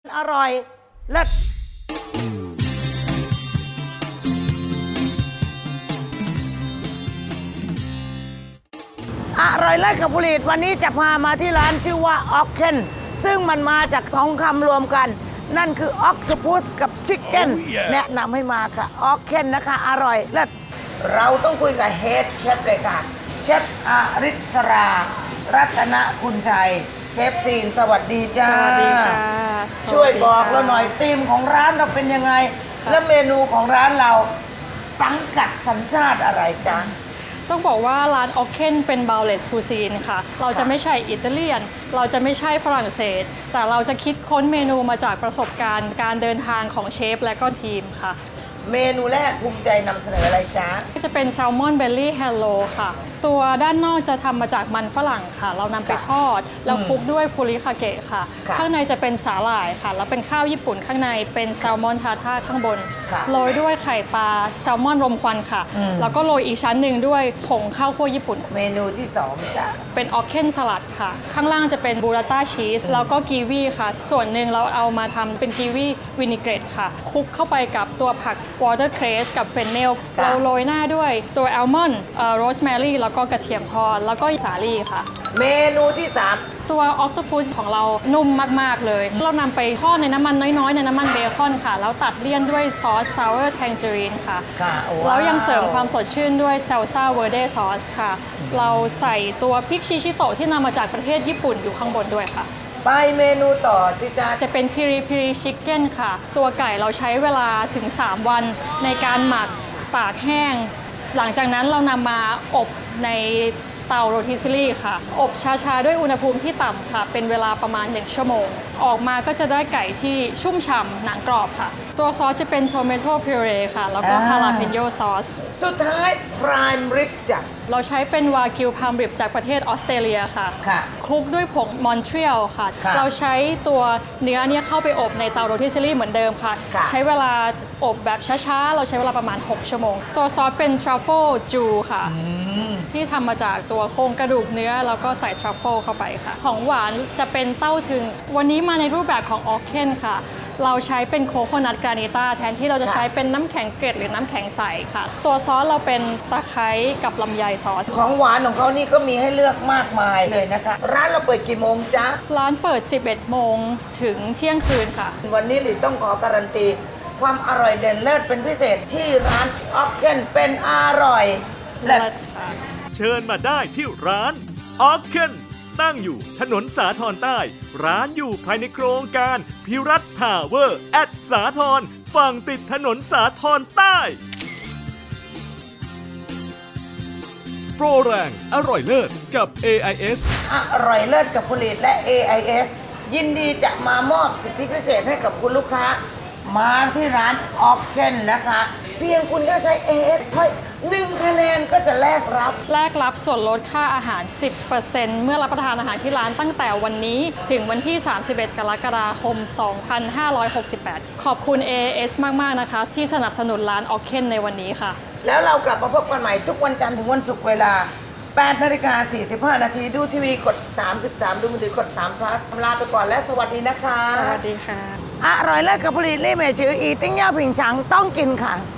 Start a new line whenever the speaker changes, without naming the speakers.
อร่อยเลิศอร่อยเลิศกับผลิตวันนี้จะพามาที่ร้านชื่อว่าออกเคนซึ่งมันมาจากสองคำรวมกันนั่นคือออกโตปัสกับชิคเก้นแนะนำให้มาค่ะออกเคนนะคะอร่อยเลิศเราต้องคุยกับเฮดเชฟเลยค่ะเชฟอาริศรารัตนคุณชัยเชฟซีนสวัสดีจ้า
สวัสดีค่ะ
ช่วยบอกเราหน่อยธีมของร้านเราเป็นยังไงและเมนูของร้านเราสังกัดสัญชาติอะไรจ๊ะ
ต้องบอกว่าร้านออกเคนเป็นบาวเลสคูซีนค่ะเราจะไม่ใช่อิตาเลียนเราจะไม่ใช่ฝรั่งเศสแต่เราจะคิดค้นเมนูมาจากประสบการณ์การเดินทางของเชฟและก็ทีมค่ะ
เมนูแรกภูมิใจนำเสนออะไรจ๊ะ
จะเป็นแซลมอนเบลลี่แฮลโลค่ะตัวด้านนอกจะทำมาจากมันฝรั่งค่ะเรานำไปทอดแล้วคลุกด้วยฟูริคาเกะค่ะข้างในจะเป็นสาหร่ายค่ะแล้วเป็นข้าวญี่ปุ่นข้างในเป็นแซลมอนทาท่าข้างบนโรยด้วยไข่ปลาแซลมอนรมควันค่ะแล้วก็โรยอีกชั้นหนึ่งด้วยผงข้าวคั่วญี่ปุ่น
เมนูที่สองจ้ะ
เป็นออเคนสลัดค่ะข้างล่างจะเป็นบูราต้าชีสแล้วก็กีวีค่ะส่วนหนึ่งเราเอามาทำเป็นกีวีวินิเกรตค่ะคลุกเข้าไปกับตัวผักวอเตอร์เครสกับเฟนเนลเราโรยหน้าด้วยตัวแอลมอนด์โรสแมรี่แล้วก็กระเทียมทอดแล้วก็สาลี่ค่ะ
เมนูที่สาม
ตัวออคโตปัสของเรานุ่มมากๆเลยเรานำไปทอดในน้ำมันน้อยๆในน้ำมันเบคอนค่ะแล้วตัดเลี่ยนด้วยซอสซาวเวอร์แทงเจอรีนค่ะแล้วยังเสริมความสดชื่นด้วยเซลซ่าเวอร์เดซอสค่ะเราใส่ตัวพริกชิชิโตะที่นำมาจากประเทศญี่ปุ่นอยู่ข้างบนด้วยค่ะ
ไปเมนูต่อสิจ๊ะ
จะเป็นพิริพิริชิคเก้นค่ะตัวไก่เราใช้เวลาถึง3 วันในการหมักตากแห้งหลังจากนั้นเรานำมาอบในเตาโรติซิลี่ค่ะอบช้าๆด้วยอุณหภูมิที่ต่ำค่ะเป็นเวลาประมาณ1 ชั่วโมงออกมาก็จะได้ไก่ที่ชุ่มฉ่ำหนังกรอบค่ะตัวซอสจะเป็นโทเมโตพิเรค่ะแล้วก็ฮาลาเปนโยซอส
สุดท้ายพรายริบจ้ะ
เราใช้เป็นวากิวพามริบจากประเทศออสเตรเลียค่ะคลุกด้วยผงมอนทรีอลค่ะเราใช้ตัวเนื้อเนี่ยเข้าไปอบในเตาโรติซิลี่เหมือนเดิมค่ะใช้เวลาอบแบบช้าๆเราใช้เวลาประมาณ6 ชั่วโมงตัวซอสเป็นทรัฟเฟิลจูค่ะที่ทำมาจากตัวโครงกระดูกเนื้อแล้วก็ใส่ทรัฟเฟิลเข้าไปค่ะของหวานจะเป็นเต้าถึงวันนี้มาในรูปแบบของออเคนค่ะเราใช้เป็นโคโคนัทกรานิต้าแทนที่เราจะใช้เป็นน้ำแข็งเกล็ดหรือน้ำแข็งใสค่ะตัวซอสเราเป็นตะไคร้กับลำไยซอส
ของหวานของเขานี่ก็มีให้เลือกมากมายเลยนะคะร้านเราเปิดกี่โมงจ๊ะ
ร้านเปิด11 โมงถึงเที่ยงคืนค่ะ
วันนี้หลิต้องขอการันตีความอร่อยเด่นเลิศเป็นพิเศษที่ร้านออกเคนเป็นอร่อยเลิศ
เชิญมาได้ที่ร้านออกเคนตั้งอยู่ถนนสาทรใต้ร้านอยู่ภายในโครงการพิรัตน์ทาวเวอร์แอดสาทรฝั่งติดถนนสาทรใต้โปรแรงอร่อยเลิศกับ AIS
อร่อยเลิศกับผลิตและ AIS ยินดีจะมามอบสิทธิพิเศษให้กับคุณลูกค้ามาที่ร้านออกเคนนะคะเพียงคุณก็ใช้ AS ให้1 คะแนนก็จะแลกรับ
ส่วนลดค่าอาหาร 10% เมื่อรับประทานอาหารที่ร้านตั้งแต่วันนี้ถึงวันที่ 31 กรกฎาคม 2568 ขอบคุณ AS มากๆนะคะที่สนับสนุนร้านออกเคนในวันนี้ค่ะ
แล้วเรากลับมาพบกันใหม่ทุกวันจันทร์ถึงวันศุกร์เวลา 8:45 น.ดูทีวีกด 33 ดูมือถือกด3 plus ลาไปก่อนและสวัสดีนะคะ
สวัสดีค่ะ
อร่อยเลิศกับผลิตเล่เมจืออีติ้งย่าผิงฉังต้องกินค่ะ